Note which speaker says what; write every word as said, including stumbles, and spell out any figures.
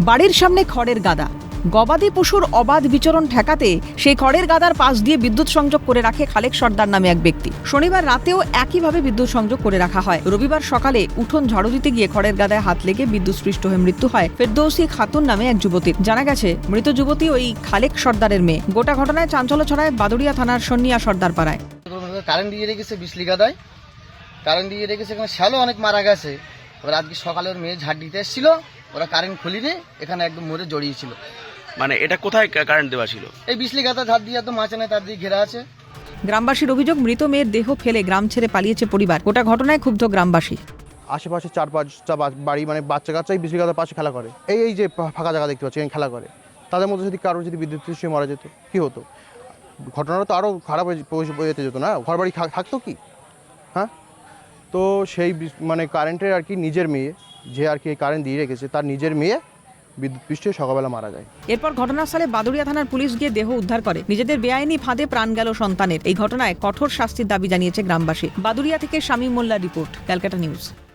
Speaker 1: বাড়ির সামনে খড়ের গাদা, গবাদি পশুর অবাধ বিচরণ ঠেকাতে সেই খড়ের গাদার পাশ দিয়ে বিদ্যুৎ সংযোগ করে রাখে খালেক সর্দার নামে এক ব্যক্তি। শনিবার রাতেও একইভাবে বিদ্যুৎ সংযোগ করে রাখা হয়। রবিবার সকালে উঠোন ঝাড়ু দিতে গিয়ে খড়ের গাদায় হাত লেগে বিদ্যুৎস্পৃষ্ট হয়ে মৃত্যু হয় ফেরদৌসী খাতুন নামে এক যুবতীর। জানা গেছে মৃত যুবতী ওই খালেক সর্দারের মেয়ে। গোটা ঘটনায় চাঞ্চল্য ছড়ায় বাদুড়িয়া থানার সন্নিয়া সর্দার পাড়ায়।
Speaker 2: কারেন্ট দিয়ে রেখেছে বিজলি গাদায়, কারেন্ট দিয়ে রেখেছে, এখানে শ্যালো অনেক মারা গেছে। এবার আজকে সকালে ওর মেয়ে ঝাড় দিতে এসেছিল, ওরা কারেন্ট খুলিনি, এখানে একদম মরে জড়িয়েছিল।
Speaker 3: মানে এটা কোথায় কারেন্ট দেওয়া ছিল?
Speaker 2: এই বিজলি গাদা ঝাড় দিয়ে একদম মাঝখানে তার দিয়ে ঘেরা আছে।
Speaker 1: গ্রামবাসীর অভিযোগ, মৃত মেয়ের দেহ ফেলে গ্রাম ছেড়ে পালিয়েছে পরিবার। গোটা ঘটনায় ক্ষুব্ধ গ্রামবাসী।
Speaker 4: আশেপাশে চার পাঁচটা বাড়ি, মানে বাচ্চা কাচ্চাই বিজলি গাদার পাশে খেলা করে। এই এই যে ফাঁকা জায়গা দেখতে পাচ্ছি, খেলা করে, তাদের মধ্যে যদি কারো যদি বিদ্যুৎ সৃষ্টি মারা যেত কি হতো? ঘটনাটা তো আরও খারাপ হয়ে যেতে যেত না, ঘর বাড়ি থাকতো কি? হ্যাঁ, তো সেই মানে কারেন্টের আর কি নিজের মেয়ে, যে আর কি কারেন্ট দিয়ে রেখেছে, তার নিজের মেয়ে বিদ্যুৎ পৃষ্ঠে সকালবেলা মারা যায়।
Speaker 1: এরপর ঘটনাস্থলে বাদুড়িয়া থানার পুলিশ গিয়ে দেহ উদ্ধার করে। নিজেদের বেআইনি ফাঁদে প্রাণ গেল সন্তানের। এই ঘটনায় কঠোর শাস্তির দাবি জানিয়েছে গ্রামবাসী। বাদুড়িয়া থেকে শামীম মোল্লার রিপোর্ট, ক্যালকাটা নিউজ।